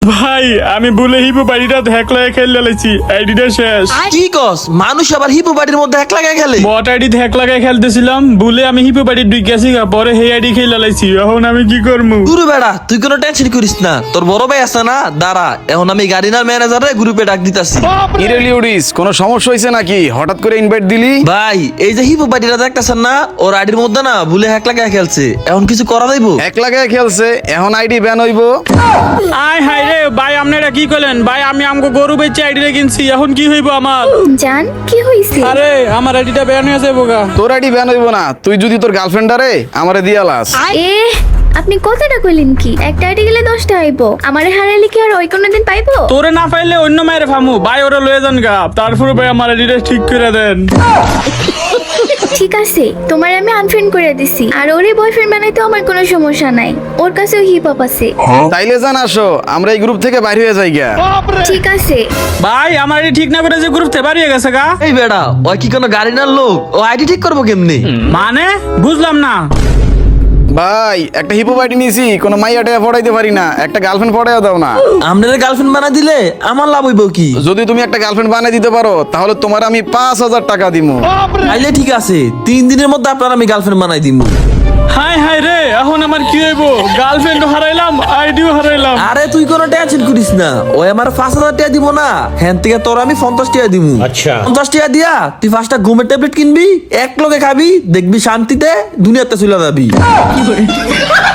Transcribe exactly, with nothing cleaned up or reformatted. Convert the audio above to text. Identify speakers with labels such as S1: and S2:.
S1: ভাই আমি বলে হিপো বাড়িটা হ্যাক লাগে খেলে লাইছি, আইডিটা শেষ।
S2: কি কস? মানুষ আবার হিপো বাড়ির মধ্যে এক লাগায় খেলে?
S1: বট আইডি হ্যাক লাগাই খেলতেছিলাম, বলে আমি হিপো বাড়ির দুই গেছি গা, পরে হে আইডি খেলে লাইছি। এখন আমি কি করবো?
S2: গুরু বেড়া তুই কোনো টেনশন করিস না, তোর বড় ভাই আছে না, দাঁড়া এখন আমি গাড়িনার ম্যানেজারে গ্রুপে ডাক দিতাছি।
S3: ইরেলিউডিস কোনো সমস্যা হয়েছে নাকি? হঠাৎ করে ইনভাইট দিলি?
S2: ভাই এই যে হিপো বাড়িটা দেখতেছেন না, ওর আইডির মধ্যে না ভুলে হ্যাক লাগায় খেলছে, এখন কিছু করা যাইব?
S3: এক লাগায় খেলছে, এখন আইডি ব্যান হইব।
S1: আয় হাই রে ভাই, আপনারা কি করলেন ভাই? আমি আমগো গরু বেচে আইডিটা কিনছি, এখন কি হইব আমার?
S4: জান কি হইছে?
S1: আরে আমার আইডিটা ব্যান হয়ে যাবো গা।
S3: তোর আইডি ব্যান হইব না, তুই যদি তোর গার্লফ্রেন্ডারে আমারে দিয়া লাস।
S4: এ আপনি কথাটা কইলেন কি? একটা আইডি গেলে দশটা আইবো, আমারে হারাইলে কি আর ওই কোনোদিন পাইবো?
S1: তোরে না পাইলে অন্য মায়ের ফামু ভাই, ওরা লয়ে যান গা, তারপরে ভাই আমার আইডিটা ঠিক করে দেন।
S4: ঠিক আছে, তোমার আমি আনফ্রেন্ড করে দিছি, আর ওরে বয়ফ্রেন্ড বানাইতে আমার কোনো সমস্যা নাই, ওর কাছেও হিপ হপ আছে।
S3: তাইলে জান আসো, আমরা এই গ্রুপ থেকে বাইরে হয়ে যাই গা।
S4: ঠিক আছে
S1: ভাই আমার আইডি ঠিক না করে যে গ্রুপ থেকে বাড়িয়ে গেছে গা।
S2: এই বেড়া ওই কি কোনো গাড়িনার লোক? ও আইডি ঠিক করবো কেমনি?
S1: মানে বুঝলাম না।
S3: ভাই একটা হিপো আইডি নিয়েছি, কোনো মাইয়া টাইয়া পড়াইতে পারি না, একটা গার্লফ্রেন্ড পড়াইয়া দাও না।
S2: আপনার গার্লফ্রেন্ড বানা দিলে আমার লাভ হইব কি?
S3: যদি তুমি একটা গার্লফ্রেন্ড বানিয়ে দিতে পারো তাহলে তোমার আমি পাঁচ হাজার টাকা দিমু।
S2: তাইলে ঠিক আছে, তিন দিনের মধ্যে আপনার আমি গার্লফ্রেন্ড বানাই দিব।
S1: হাই হাই রে, এখন আমার কি হইব? গার্লফ্রেন্ডও হারাইলাম, আইডিও হারাইলাম।
S2: আরে তুই কোনো টেনশন করিস না, ওই আমার পাঁচ হাজার টাকা দিব না, হ্যান থেকে তোর আমি পঞ্চাশ টাকা দিব। আচ্ছা পঞ্চাশ টাকা দিয়া তুই পাঁচটা ঘুমের ট্যাবলেট কিনবি, এক লগে খাবি, দেখবি শান্তিতে দুনিয়াতে চলে যাবি।